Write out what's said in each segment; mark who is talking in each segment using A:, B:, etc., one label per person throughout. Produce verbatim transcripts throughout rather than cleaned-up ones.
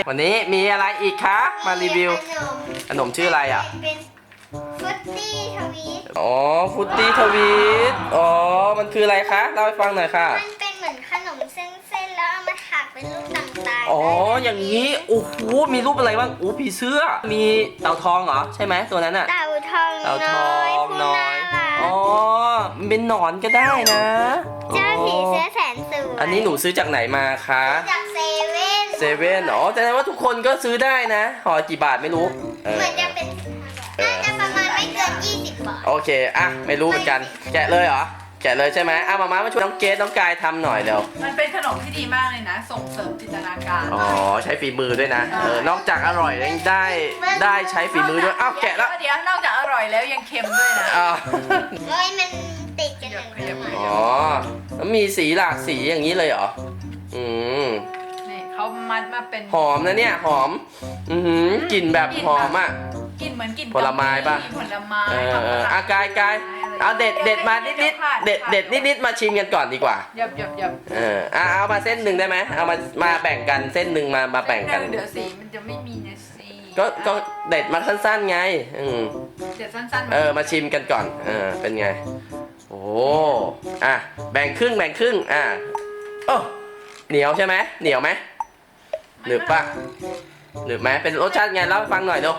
A: วันนี้มีอะไรอีกคะมารีวิวขนมชื่ออะไรอ่ะ
B: เป็นฟรุตตี้ทวีต
A: อ๋อฟรุตตี้ทวีตอ๋อมันคืออะไรคะเล่าให้ฟังหน่อยค่ะ
B: มันเป็นเหมือนขนมเส้นๆแล้วเอามาถักเป็นรูปต่างๆ
A: อ๋ออย่างนี้โอ้โหมีรูปอะไรบ้างอู้ผีเสื้อมีเต่าทองเหรอใช่ไหมตัวนั้นอ่ะ
B: เต่าทอง
A: เต่าทองน้อยอ๋อมันเป็นหนอนก็ได้นะ
B: เจ้าผีเสื้อแสนสวย
A: อันนี้หนูซื้อจากไหนมาคะ
B: จากเซเว่น
A: เซเว่นอ๋อแสดงว่าทุกคนก็ซื้อได้นะห่อกี่บาทไม่รู้
B: เหมือนจะเป็นน่าจะประมาณไม่เกินยี่สิบบาท
A: โอเคอ่ะไม่รู้เหมือนกันแกะเลยเหรอแกะเลยใช่ไหมอ่ะมามามาช่วยน้องเกดน้องกายทำหน่อยเร็ว
C: มันเป็นขนมที่ดีมากเลยนะส่งเสริมจินตนาการ
A: อ๋อใช้ฝีมือด้วยนะเออนอกจากอร่อยยังได้ได้ใช้ฝีมือด้วยอ้าวแกะแล้ว
C: เดี๋ยวนอกจากอร่อยแล้วยังเค็มด้วยนะ
A: อ๋อ
B: เฮ้ยมันติดกันหนึ่ง
A: อ๋อแล้วมีสีหลากสีอย่างนี้เลยเหรออืม
C: นี่เขามัดมาเป็น
A: หอมนะเนี่ยหอมอือหือกลิ่นแบบหอมอ่ะ
C: กลิ่นเหมือนกลิ่น
A: ผลไม้ป่ะ
C: ผลไม้
A: เออเอออากายกายเอาเด็ดเด็ดมานิดนิดเด็ดเด็ดนิดนิดมาชิมกันก่อนดีกว่า
C: หยับหยับหยับ
A: เออเอามาเส้นหนึ่งได้ไหมเอามามาแบ่งกันเส้นหนึ่งมามาแบ่งกัน
C: เดี๋ยวสีมันจะไม่มีนะสี
A: ก็ก็เด็ดมาสั้นๆไงอืม
C: เด็ดสั้น
A: ๆเออมาชิมกันก่อนเออเป็นไงโอ้อ่ะแบ่งครึ่งแบ่งครึ่งอ่ะโอ้เหนียวใช่ไหมเหนียวไหมหนึบปะหนึบไหมเป็นรสชาติไงเล่าให้ฟังหน่อยดู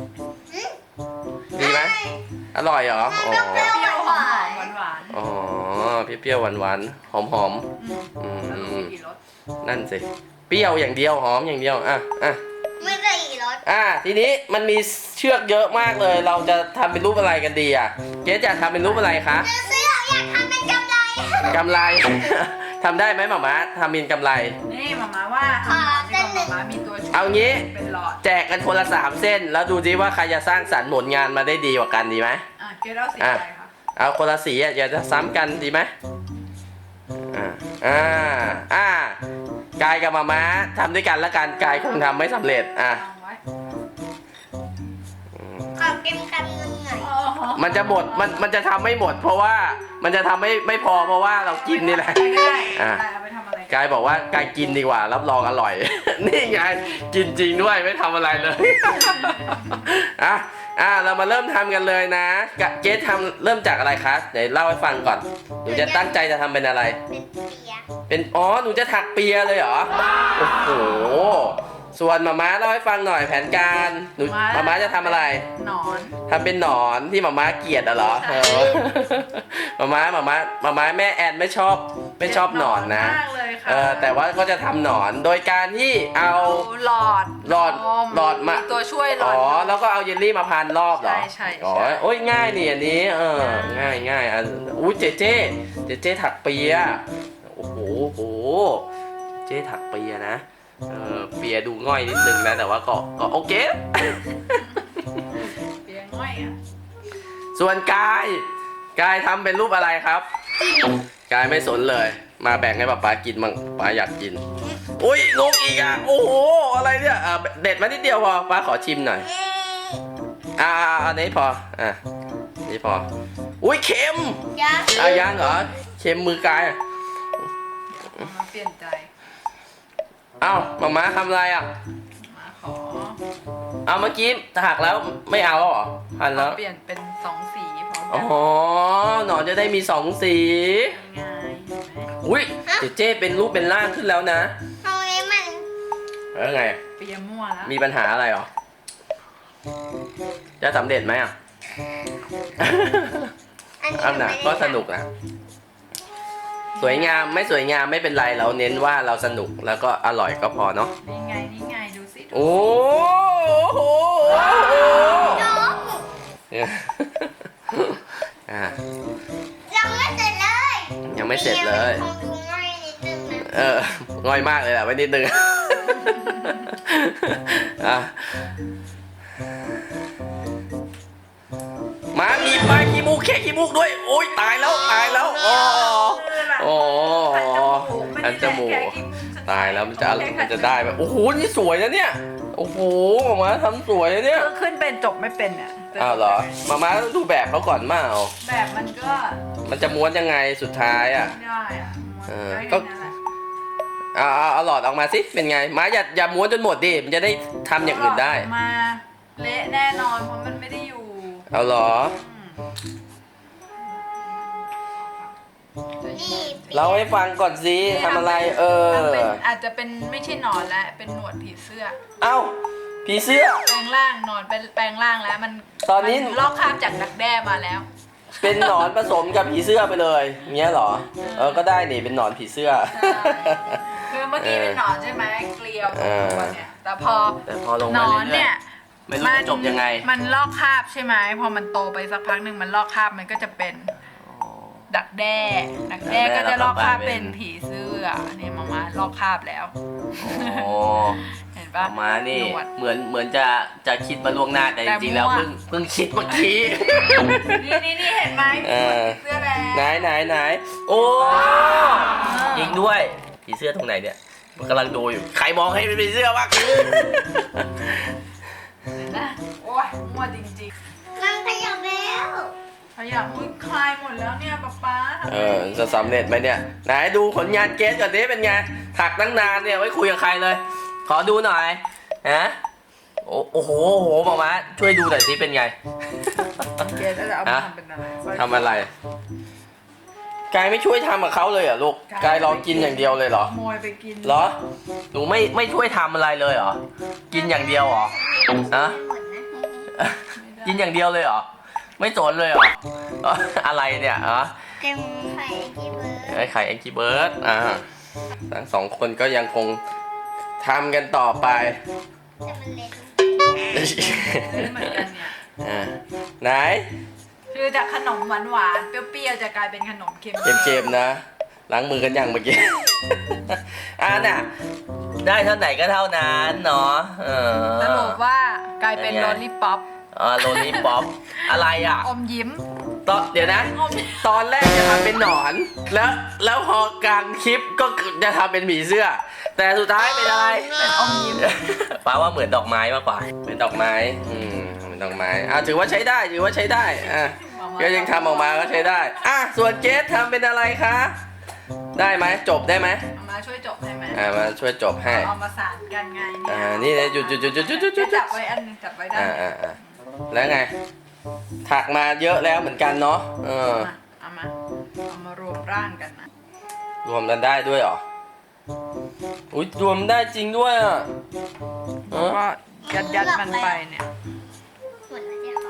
A: ดีไหมอร่อยเหรออ๋อ
C: เปรี้ยวหอมหวาน
A: อ๋อเปรี้ยวหวานๆหอมหอมอืมนั่นสิเปรี้ยวอย่างเดียวหอมอย่างเดียวอ่ะอ่ะ
B: ไม่ได้อีกรส
A: อ่ะทีนี้มันมีเชือกเยอะมากเลยเราจะทำเป็นรูปอะไรกันดีอ่ะเจ๊จะทำเป็นรูปอะไรคะ
B: เสื้ออยากทำเป็นกำไร
A: กำไรทำได้ไหมหม่าม้าทำเป็นกำไร
C: นี่หม่าม้าว่าทำหม่าม้ามีตัวช่วย
A: เอางี้
C: เป็นหลอด
A: แจกกันคนละสามเส้นแล้วดูดิว่าใครจะสร้างสรรค์ผลงานมาได้ดีกว่ากันดีไหม
C: อ่ะเกลือสีอะไรคะ
A: เอาคนละสีอ่ะอย่าจะซ้ำกันดีไหมอ่าอ่าอ่ากายกับหม่าม้าทำด้วยกันแล้วกันกายคงทำไม่สำเร็จอ่ะ
B: ขอกินคำหนึ่งหน่อย
A: มันจะหมดมันมันจะทำไม่หมดเพราะว่ามันจะทำไม่ไม่พอเพราะว่าเรากินนี่แหละอ่ะกายบอกว่ากายกินดีกว่ารับรองอร่อยนี่ไงกินจริงด้วยไม่ทำอะไรเลยอ่ะอ่ะเรามาเริ่มทำกันเลยนะเจ๊ทำเริ่มจากอะไรคะเดี๋ยวเล่าให้ฟังก่อนหนูจะตั้งใจจะทำเป็นอะไร
B: เป็นเปีย
A: เป็นอ๋อหนูจะถักเปียเลยเหรอโอ้โหส่วนหม่าม้าเล่าให้ฟังหน่อยแผนการหนูหม่าม้าจะทำอะไร
C: หนอน
A: ทำเป็นหนอนที่หม่าม้าเกลียดอะเหรอเออหม่าม้าหม่าม้าหม่าม้าแม่แอนไม่ชอบไม่ชอบหนอนนะเออแต่ว่าก็จะทำหนอนโดยการที่เอา
C: หลอด
A: หลอดหลอดมา
C: ตัวช่วยหลอด
A: อ๋อแล้วก็เอาเยลลี่มาพันรอบเหรอ
C: ใช่ใช่
A: อ๋อโอ้ยง่ายนี่อันนี้เออง่ายง่ายอ่ะอุ้ยเจเจเจเจถักเปียโอ้โหโอ้เจถักเปียนะเออเปียดูง่อยนิดนึงนะแต่ว่าก็ก็โอเค
C: เปียง่อยอ่ะ
A: ส่วนกายกายทำเป็นรูปอะไรครับกายไม่สนเลยมาแบ่งให้ป๊าป๊ากินมั่งป๊าอยากกินอุ้ยลงอีกอ่ะโอ้โหอะไรเนี่ยอ่ะเด็ดมานิดเดียวพอป๊าขอชิมหน่อยอ่าอันนี้พออ่ะนี่พออุ้ยเค็ม
B: ยัง
A: อ่ะยังเหรอเค็มมือกาย
C: มาเปลี่ยนใจ
A: เอ้าหม่าม้าทำอะไรอ่ะ
C: มาขอ
A: เอาเมื่อกี้ถักแล้วไม่เอาหรอพันแล้ว
C: เปลี่ยนเป็นสองสีพร้อม
A: อ๋อหนอนจะได้มีสองสี
C: ง่าย
A: อุ้ยเจเจเป็นรูปเป็นร่างขึ้นแล้วนะ
B: ตรงนี้มัน
A: แล้วไง
C: เปียมั่วแล้ว
A: มีปัญหาอะไรหรอจะสำเร็จไหมอ่ะอันน่ะก็สนุกนะสวยงามไม่สวยงามไม่เป็นไรเราเน้นว่าเราสนุกแล้วก็อร่อยก็พอเนาะ
C: นี่ไงนี่ไงดูสิ
A: โอ้โห
B: ยังไม่เสร็จเลย
A: ยังไม่เสร็จเลยเออง่อยมากเลยแหละไว้นิดนึงอ่ะมามีปลาขี้มูกแค่ขี้มูกด้วยโอ๊ยตายแล้วตายแล้วอ๋อโอ้อันจมูกตายแล้วมันจะมันจะได้ไหมโอ้โหนี่สวยนะเนี่ยโอ้โหหม่าม้าทำสวยนะเนี่ย
C: ขึ้นเป็นจบไม่เป็นอ่ะ
A: อ้าวเหรอหม่าม้าต้องดูแบบเขาก่อนมาเอา
C: แบบมันก็
A: มันจะม้วนยังไงสุดท้ายอ่ะ
C: ได้อ่ะ
A: เออก็เอาเอาเอาหลอดออกมาสิเป็นไงมาอย่าอย่าม้วนจนหมดดิมันจะได้ทำอย่างอื่นได้
C: มาเละแน่นอนเพราะมันไม่ได้อยู่
A: เอาเหรอ
B: นี่
A: เราให้ฟังก่อนสิทำอะไรเออ
C: มันเป็นอาจจะเป็นไม่ใช่หนอนแล้วเป็นหนวดผีเสื้อ
A: เอ้าผีเสื้อ
C: แปลงร่างหนอนเป็นแปลงร่างแล้วมัน
A: ตอนนี้
C: มัลอกคราบจากดักแด้มาแล้ว
A: เป็นหนอนผสมกับผีเสื้อไปเลยเงี้ยเหรอเออก็ได้นี่เป็นหนอนผีเสื้อ
C: ใช่คือเมื่อกี้เป็นหนอนใช่ไหมเกลียว
A: เออ
C: ตัวเนี่ยแต่พอ
A: แต่พอลง
C: หน
A: มา
C: อน
A: เรื่
C: เนี่
A: อย
C: ย
A: ๆไม่รู้จะจบยังไง
C: มันลอกคราบใช่ไหมพอมันโตไปสักพักหนึ่งมันลอกคราบมันก็จะเป็นดักแด้ดักแด้ก็จะลอกคราบเป็นผีเสื้อนี่มามาลอกคราบแล้ว
A: โอ้
C: เห็น
A: อ
C: ปะ
A: อกมานี่
C: หนวด
A: เหมือนเหมือนจะจะคิดมาล่วงหน้าแต่จ
C: แต่
A: ริงๆแล้ว
C: มั่ว
A: เพิ่งเพิ่งคิดเมื่อกี้
C: นี่นี่นี่เห็นไหม
A: เออ
C: ผีเสื้อแล้ว
A: ไหนไหนไหนโอ้ยิงด้วยผีเสื้อตรงไหนเนี่ยกำลังดูอยู่ใครมองให้เป็นผีเสื้อวะ
C: เห็นนะโอ้ยมั่วจริง
B: มันขยับแล้ว
C: ๆขยับอุ้ยคลายหมดแล้วเนี่ยป๊าป๊าทำไม
A: เออจะสำเร็จไหมเนี่ยไหนดูผลงานเกสก่อนดิเป็นไงถักตั้งนานเนี่ยไว้คุยกับใครเลย ขอดูหน่อยฮะโอ้โอ้โหโอ้โหหมอมาช่วยดูหน่อยสิเป็นไง
C: เกรดจะเอามาทำเป็นอะไรสร้อย
A: ทำอะไรกายไม่ช่วยทำกับเขาเลยเหรอลูกกายรอกินอย่างเดียวเลยเหรอ
C: ขโมยไปกิน
A: เหรอหนูไม่ไม่ช่วยทำอะไรเลยเหรอกินอย่างเดียวเหรอฮะ
B: หมดนะ
A: กินอย่างเดียวเลยเหรอไม่สนเลยเหรอเอ้ออะไรเนี่ยฮะ
B: เต็มไข่กี่เบอร์
A: ไอ้ไข่แองกี้เบิร์ดอ่าทั้งสองคนก็ยังคงทำกันต่อไป
B: แต่มันเล็ก
C: เล่นเหมือนกันเนี่ย
A: อ่าไหน
C: คือจากขนมหวานหวานๆเปรี้ยวๆจะกลายเป็นขนมเค็ม
A: เกมๆนะล้างมือกันอย่างเมื่อกี้ อ่าน่ะได้เท่าไหนก็เท่านั้นเนาะเออ
C: สรุปว่ากลายเป็น
A: เป็นไง
C: โรลลี่ป๊อป
A: อ่าโรลลี่ป๊อปอะไรอ่ะ
C: อมยิ้ม
A: ตอนเดี๋ยวนะ
C: อม
A: ตอนแรกจะทำเป็นหนอน แล้วแล้วพอกลางคลิปก็จะทำเป็นผีเสื้อ แต่สุดท้ายเป็นอะไร
C: เป็นอมยิ้ม
A: ป้าว่าเหมือนดอกไม้มากกว่าเป็นดอกไม้อืมเป็นดอกไม้อ่ะถือว่าใช้ได้ถือว่าใช้ได้อ่ะก็ยังทำออกมาก็ใช้ได้อ่ะส่วนเกสทำเป็นอะไรคะได้ไหมจบได้ไหม
C: เอามาช่วยจบให้ไหม
A: อ่ามาช่วยจบให้
C: เอามาสานกันไง
A: อ่านี่เลยหยุดหยุดหยุดหยุดหยุดหยุดหยุด
C: จับไว้อันหนึงจับไว้ได้
A: อ่าอ่าอ่าแล้วไงถักมาเยอะแล้วเหมือนกันเนาะเออ
C: เอามาเอามารวมร่างกันนะ
A: รวมกันได้ด้วยเหรออุ้ยรวมได้จริงด้วยอ่ะเออ
C: ก็ยัดยัดมันไปเนี่ย
B: หมดแล้วเดี๋ยวขอ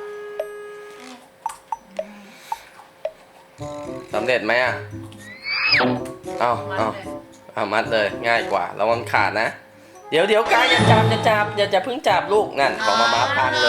A: สำเร็จไหมอ่ะเอา
C: มัน
A: เอา
C: เลย
A: เอามัดเลยง่ายกว่าระวังขาดนะ เดี๋ยวเดี๋ยวกายอย่าจับอย่าจับอย่าจะเพิ่งจับลูกนั่นของมาม้าพังเลย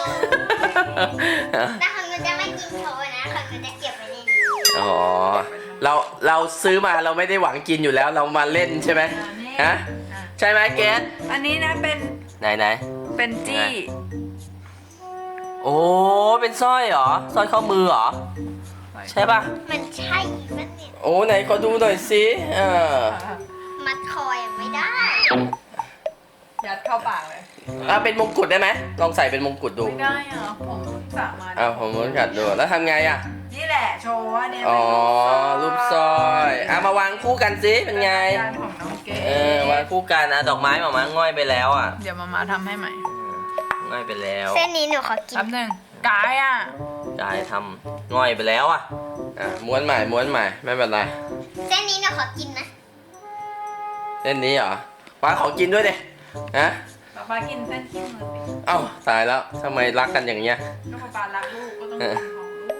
B: แต่ของหนูจะไม่กินโชว์นะของหนูจะเก็บไว้ในนี้
A: อ๋อเราเราซื้อมาเราไม่ได้หวังกินอยู่แล้วเรามาเล่นใช่ไหม
C: อ่านี่
A: ฮะ
C: อ่ะ
A: ใช่ไหมเกส
C: อันนี้นะเป็น
A: ไหนไหน
C: เป็นจี้
A: โอ้เป็นสร้อยเหรอสร้อยข้อมือเหรอใช่ปะ
B: มันใช่มันเนี่ย
A: โอ้ไหนขอดูหน่อยสิเออ
B: มัดคอยังไม่ได้
C: ยัดเข้าปากเลย
A: อ่ะเป็นมงกุฎได้ไหมลองใส่เป็นมงกุฎดู
C: ไม่ได้อ่ะผมสามารถ
A: อ้าวผมmuốnกัดดูแล้วทำไงอ่ะ
C: นี่แหละโชว์ว่าเนี่ย
A: อ๋อ
C: เป็น
A: รูปสร้อยอ่ะมาวางคู่กันสิเป็นไง
C: จานของน้องเก๋
A: เออวางคู่กันอ่ะดอกไม้หมามาง่อยไปแล้วอ่ะ
C: เดี๋ยวมามาทำให้ใหม่
A: ง่อยไปแล้ว
B: เส้นนี้หนูขอกิน
C: แป๊บหนึงกายอ่ะ
A: กายทำง่อยไปแล้วอ่ะอ่ะม้วนใหม่ม้วนใหม่ไม่เป็นไร
B: เส้นนี้หนูขอกินนะ
A: เส้นนี้เหรอป้าขอกินด้วยดิฮะ
C: ป๊าป๊ากินเส้นขี้มือสิ
A: เอ้าตายแล้วทำไมรักกันอย่างเงี้ย
C: ก็ป๊าป๊ารักลูกก็ต้องกินของลูก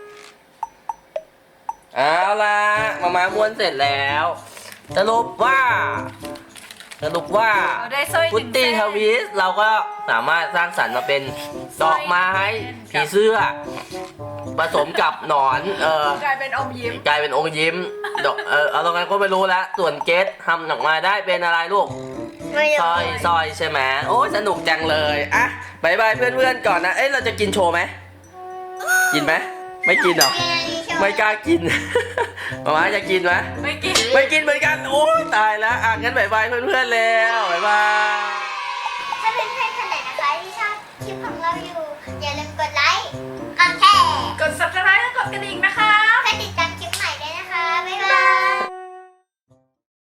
A: เอาละมามาม้วนเสร็จแล้วสรุปว่าสรุปว่า
C: เราได้สร้อย
A: พุตตี้ทวิสเราก็สามารถสร้างสรรค์มาเป็นดอกไม้ผีเสื้อผสมกับหนอนเออก
C: ลายเป็นอมยิ้ม
A: กลายเป็นองค์ยิ้มดอกเออเอาตรงนั้นก็ไม่รู้แล้วส่วนเกสทำออกมาได้เป็นอะไรลูก
B: ไม่
A: สร้อยสร้อยใช่ไหมโอ้ยสนุกจังเลยอ่ะบายบายเพื่อนๆก่อนนะเอ้ยเราจะกินโชว์ไหมกินไหมไม่กินเหรอไม่กล้ากิน มามาจะกินไหม
C: ไม่กิน
A: ไม่กินเหมือนกันโอ้ยตายแล้วอ่ะงั้นบายบายเพื่อนๆแล้วบายบาย
B: ถ้าเพื่อนๆคนไหนนะคะที่ชอบคลิปของเราอยู่ อย่าลืมกดไลค์กดแชร์
C: กด ซับสไครบ์ และกดกระดิ่งนะคะ